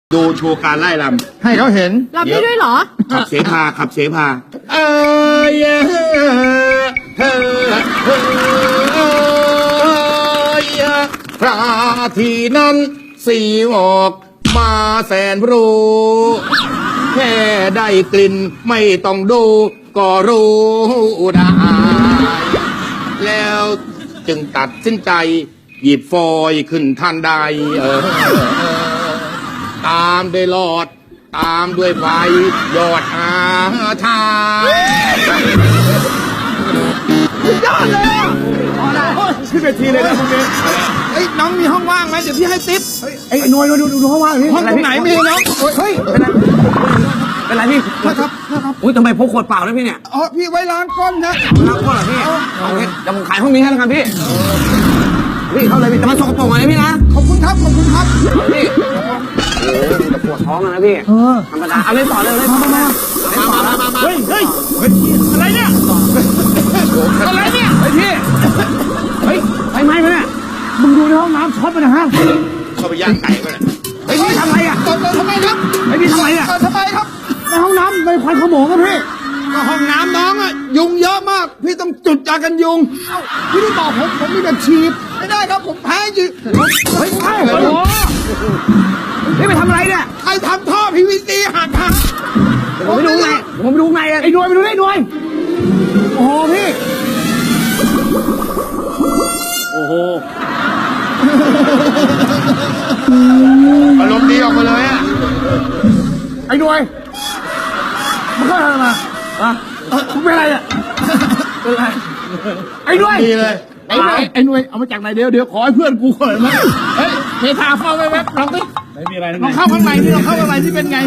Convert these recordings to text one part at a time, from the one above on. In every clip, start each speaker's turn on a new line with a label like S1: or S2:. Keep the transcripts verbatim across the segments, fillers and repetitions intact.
S1: ดูโชว์การไล่ลำ
S2: ให้เขาเห็น
S3: รับได้ด้วยเหรอ
S1: ขับเสพาขับเสพาเอ้ยเฮ้ยพระทีนั้นสีออกมาแสนรู้แค่ได้กลิ่นไม่ต้องดูก็รู้ได้แล้วจึงตัดสินใจหยิบฟอยขึ้นทันใดเออตามด้วยหลอดตามด้วยไฟยอดอาทาย
S2: ยอดเลยขึ้นเวทีเลยนะพวกนี้เฮ้ยน้องมีห้องว่างไหมเดี๋ยวพี่ให้ติ๊บไอ้หน่วยมาดูดูห้องว่างนี่ห้องตรงไหนมีน้องเฮ้ย
S4: เป็นไรพี่
S2: ครับครับ
S4: อุ้ยทำไมพกขวดเปล่าด้วยพี่เนี่ย
S2: อ๋อพี่ไว้ล้างก้นนะ
S4: ล้างก้นเหรอพี่เอางี้เดี๋ยวผมขายห้องนี้ให้แล้วกันพี่พี่เข้าเลยพี่แต่มันสกปรกหน่อยนะพี่นะ
S2: ขอบคุณครับขอบคุณครับ
S4: พี่โอ้โหจะปวดท้องนะพี่ธรรมดาเอาเลยต่อเลยเลยมามา
S2: มาเฮ้ยเฮ้ยอะไรเนี่ยอะไรเนี่ย
S4: เฮ้ยพี่เฮ้ยไฟไหม้ไหมเนี่ย
S2: มึงดูในห้องน้ำช็อตไปนะฮะ
S1: เข้าไปย่างไก่ไปเลย
S4: เฮ้ยพี่ทำไรอ่ะ
S2: ทำไมครับ
S4: เฮ้ยพี่ทำไรอ่ะ
S2: ทำไมครับในห้องน้ำในควันขโมงครับพี่ก็ห้องน้ำน้องอ่ะยุงเยอะมากพี่ต้องจุดยากันยุงพี่ได้บอกผมผมมีแบบฉีดไม่ได้ครับผมแพ้ยืดเฮ้ยโอ้โห
S4: พี่ไปทำอะไรเนี่ย
S2: ใครทำท่อ พี วี ซี หักฮะ
S4: ผมไม่รู้ไงผมไม่รู้ไง
S2: ไอ้หน่วยไปดูได้หน่วยโอ้โหพี่
S4: โอ้โห
S1: อารมณ์ดีออกมาเลยอ่ะ
S2: ไอ้หน่วยมันเข้าอะไรมาอ่ะคุณเป็นอะไรอ่ะเป็นอะไรไอ้หน่วย
S1: ดีเลย
S2: ไอ้หน่วยไอ้หน่วยเอามาจากไหนเดี๋ยวเดี๋ยวขอให้เพื่อนกูก่อนนะเฮ้ยเททาเข้าไปแว๊บลองดิไม่มีอะไรลองเข้าข้างในนี่ลองเข้าข้างในที่เป็นไง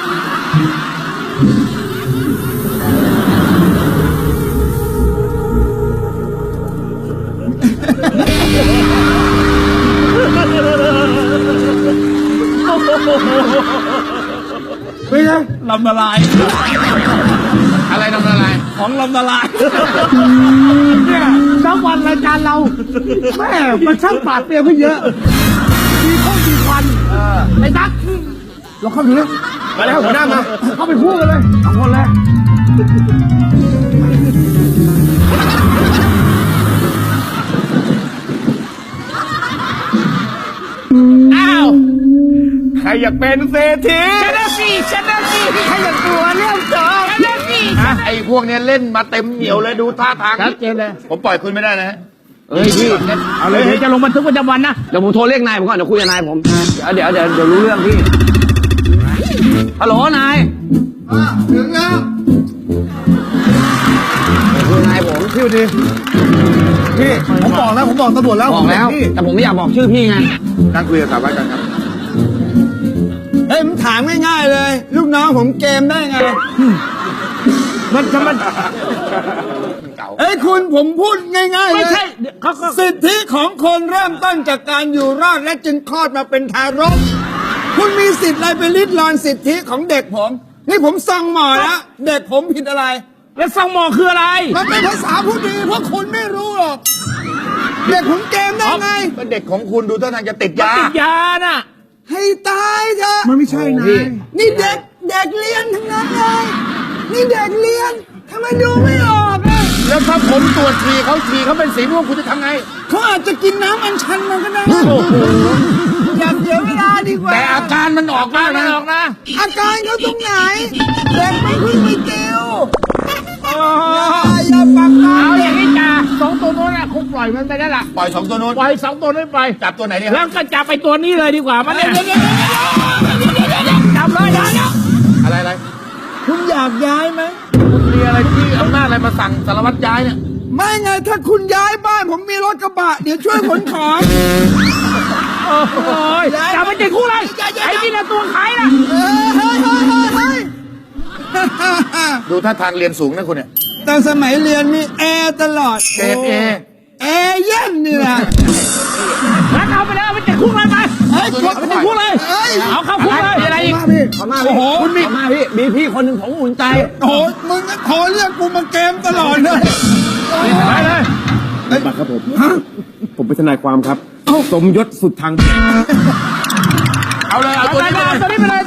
S2: เป็นไงลำละลาย
S1: อะไรลำละลาย
S2: ของลำละลายเนี่ยทั้งวันรายการเราแม่มันช่างปราดเปรียวขึ้นเยอะมีข้อมีควันไอ้ดักเราเข้าดูเลย
S1: มาแล้วหัวหน้ามา
S2: เข้าไปคู่กันเลยสองคนเลยอ้าวใครอยากเป็นเศรษฐีชนะสิชนะสิใครอยากตัวเรื่องจบชนะสิ
S1: ไอ้พวกนี้เล่นมาเต็มเหนียวเลยดูท่าทาง
S2: ชัดเจนเลย
S1: ผมปล่อยคุณไม่ได้นะ
S4: เฮ้ยพี่
S2: เอาเลยเดี๋ยวจะลงบันทึกประจำวันนะ
S4: เดี๋ยวผมโทรเรียกนายผมก่อนเดี๋ยวคุยกับนายผมเดี๋ยวเดี๋ยวเดี๋ยวรู้เรื่องพี่ฮัลโหลนาย
S2: ถึงแล้ว
S4: คุยนายผม
S2: พี่ดีพี่ผมบอกแล้วผมบอกตำรวจแล้ว
S4: บอกแล้วแต่ผมไม่อยากบอกชื่อพี่ไง
S1: นั่งคุยกับสาวบ้านกันครับ
S2: เฮ้ยผมถามง่ายๆเลยลูกน้องผมเกมได้ไงมันจะมันเอ้ยคุณผมพูดง่ายๆเลยไม่ใช่สิทธิของคนเริ่มต้นจากการอยู่รอดและจึงคลอดมาเป็นทารกคุณมีสิทธิ์อะไรไปลิดรอนสิทธิของเด็กผมนี่ผมส่องหมอแล้วเด็กผมผิดอะไรแล้วส่องหมอคืออะไรมันเป็นภาษาพูดดีเพราะคุณไม่รู้หรอกเด็กผมเกมได้ไง
S1: เป็นเด็กของคุณดูท่าทางจะติดยา
S2: ติดยาน่ะให้ตายเถอะมันไม่ใช่นะนี่เด็กเด็กเรียนทั้งนั้นเลยนี่เด็กเรียนทำไมดูไม่ออกอ่ะ
S1: แล้วถ้าผมตรวจฉี่เขาฉี่เขาเป็นสีม่วงคุณจะทำไง
S2: เขาอาจจะกินน้ำอัญชันมันก็ได้อย่าเสียเวลาดีกว่า
S1: แต่อาการมันออกมากนะออกนะ
S2: อาการเขาตรงไหนเด็กไม่พึ่งไม่เกลียวอย่าปักเอาอย่างนี้จ้าสองตัวโน้นคงปล่อยมันไปได้ละ
S1: ปล่อยสองตัวโน้น
S2: ปล่อยสองตัวนั้นไป
S1: จับตัวไหนเนี่ย
S2: แล้วก็จับไปตัวนี้เลยดีกว่ามันเนี่ยจับเลยนะ
S1: อะไรอะไร
S2: คุณอยากย้ายไหม
S1: คุณมีอะไรที่อำนาจอะไรมาสั่งสารวัตรย้ายเนี่ย
S2: ไม่ไงถ้าคุณย้ายบ้านผมมีรถกระบะเดี๋ยวช่วยขนของโอ้ยจับไปติดคุกเลยไอ้นี่นะตัวขายนะเฮ้ยเฮ้ยเฮ้ยเฮ้ย
S1: ดูท่าทางเรียนสูงนะคุณเนี่ย
S2: ตอนสมัยเรียนมีแอร์ตลอด
S1: เกรดเอ
S2: แอร์เย็นนี่แหละแล้วเอาไปแล้วไปติดคุกเลยไปเฮ้ยเอาไปติดคุกเลยเอาเข้าคุกเลย
S4: อะไรอีกโอ้โหคุณมีมาพี่มีพี่คนหนึ่งผมอุ่นใจ
S2: โอ้ยมึงก็ขอเรียกกูมาเกมตลอดเลย
S4: ไปเลย
S5: บัตรครับผมผมเป็นทนายความครับสมยศสุดทาง
S1: เอาเลยเอาตัวนี้ไปเลย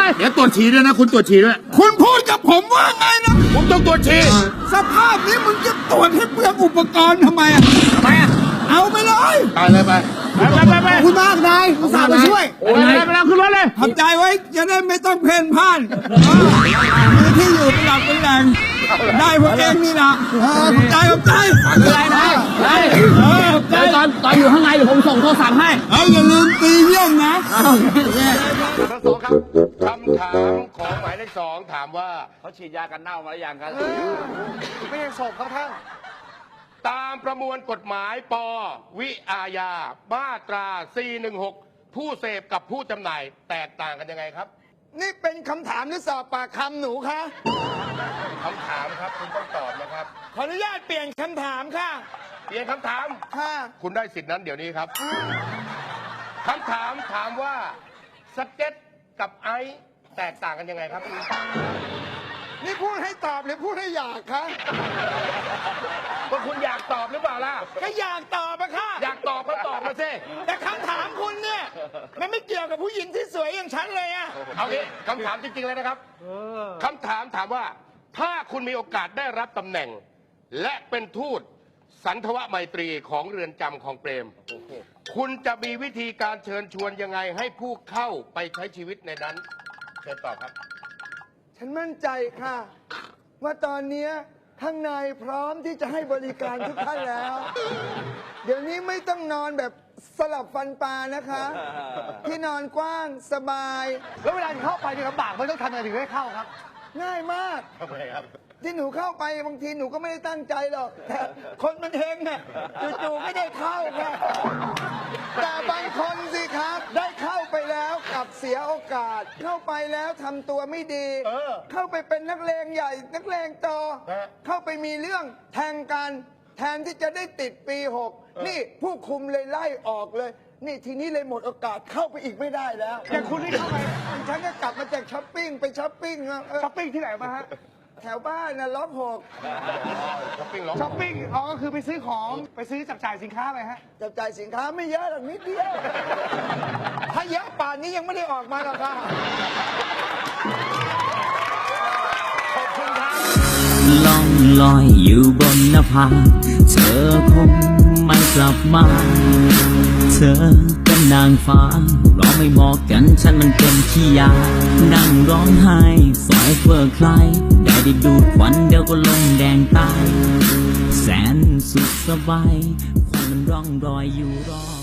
S1: เดี๋ยวตรวจฉี่ด้วยนะ คุณตรวจฉี่ด้วย
S2: คุณพูดกับผมว่าไงนะ
S1: ผมต้องตรวจฉี่
S2: สภาพนี้มึงจะตรวจให้เปลืองอุปกรณ์ทำไมอ่ะ
S4: ทำไมอ่ะ
S2: เอาไปเลย
S1: ตายเลยไป
S2: ไปไปไปคุณมากนายอุตส่าห์มาช่วย
S1: โอ้ยไปแล้วขึ้นรถเลย
S2: ขอบใจไว้จะได้ไม่ต้องเพ่นพ่านมีที่อยู่เป็นหลักเป็นแหล่งได้พวกเองนี่นะขอบใจขอบใจ
S4: อะไรนะไอ้
S2: เออขอบใจ
S4: ตอนตอนอยู่ข้างในเดี๋ยวผมส่งโทรศัพท์ให้
S2: เอาอย่าลืมตีเยี่ยมนะ
S1: ทั้งสองครับคำถามของหมายเลขสองถามว่า
S4: เขาฉีดยากันเน่ามาหรือยังครับ
S1: ไม่ยังศพครับท่านตามประมวลกฎหมายปวิอาญามาตราสี่หนึ่งหกผู้เสพกับผู้จำหน่ายแตกต่างกันยังไงครับ
S2: นี่เป็นคำถามหรือสอบปากคำหนูคะ
S1: คำถามครับคุณต้องตอบนะครับ
S2: ขออนุญาตเปลี่ยนคำถามค่ะ
S1: เปลี่ยนคำถาม
S2: ค่ะ
S1: คุณได้สิทธินั้นเดี๋ยวนี้ครับคำถามถามว่าสเก็ตกับไอซ์แตกต่างกันยังไงครับ
S2: นี่พูดให้ตอบหรือพูดให้อยากคะ
S1: ว่าคุณอยากตอบหรือเปล่าล่ะ
S2: ก็อยากตอบอะค่ะ
S1: อยากตอบก็ตอบมาสิ
S2: แต่คำถามคุณเนี่ยมันไม่เกี่ยวกับผู้หญิงที่สวยอย่างฉันเลยอะ
S1: เอางี้คำถามจริงๆเลยนะครับคำถามถามว่า ถ้าคุณมีโอกาสได้รับตำแหน่ง และเป็นทูตสันทวไมตรีของเรือนจำของเปรม คุณจะมีวิธีการเชิญชวนยังไงให้ผู้เข้าไปใช้ชีวิตในนั้นเชิญตอบครับ
S2: ฉันมั่นใจค่ะ ว่าตอนเนี้ยข้างในพร้อมที่จะให้บริการทุกท่านแล้ว เดี๋ยวนี้ไม่ต้องนอนแบบสลับฟันปลานะคะ ที่นอนกว้างสบาย
S3: แล้วเวลาเข้าไปเนี่ยลำบากไม่ต้องทำอะไรถึงให้เข้าครับ
S2: ง่ายมาก
S1: ทำไมครับ
S2: ที่หนูเข้าไปบางทีหนูก็ไม่ได้ตั้งใจหรอกแต่คนมันเฮงเนี่ยจู่ๆไม่ได้เข้าค่ะแต่บางคนสิครับ ได้เข้าไปแล้วกลับเสียโอกาส เข้าไปแล้วทำตัวไม่ดี
S1: เออ
S2: เข้าไปเป็นนักเลงใหญ่ นักเลงโต
S1: ฮะ
S2: เข้าไปมีเรื่องแทงกันแทนที่จะได้ติดปีหกนี่ผู้คุมเลยไล่ออกเลย นี่ทีนี้เลยหมดโอกาสเข้าไปอีกไม่ได้แล้ว
S3: อย่างคุณนี่เข้าไป
S2: ฉันก็กลับมาจากช้อปปิ้งไปช้อปปิ้งอะเออ
S3: ช้อปปิ้งที่ไหนมาฮะ
S2: แถวบ้านนะล็อกหก
S1: ช้อปปิ้งล็อก
S3: ช้อปปิ้ง อ๋อ ก็คือไปซื้อของ ไปซื้อจับจ่ายสินค้าไปฮะ
S2: จับจ่ายสินค้าไม่เยอะหรอกนิดเดียว ถ้าเยอะป่านนี้ยังไม่ได้ออกมาหรอกค่ะ
S6: ล่องลอยอยู่บนนภาเธอคงไม่กลับมา เธอเป็นนางฟ้าเราไม่เหมาะกันฉันมันเป็นขี้ยา นั่งร้องไห้สอยเพื่อใคร ได้ได้ดูดควันเดี๋ยวก็ลงแดงตาย แสนสุขสบายควันมันร่องรอยอยู่รอบ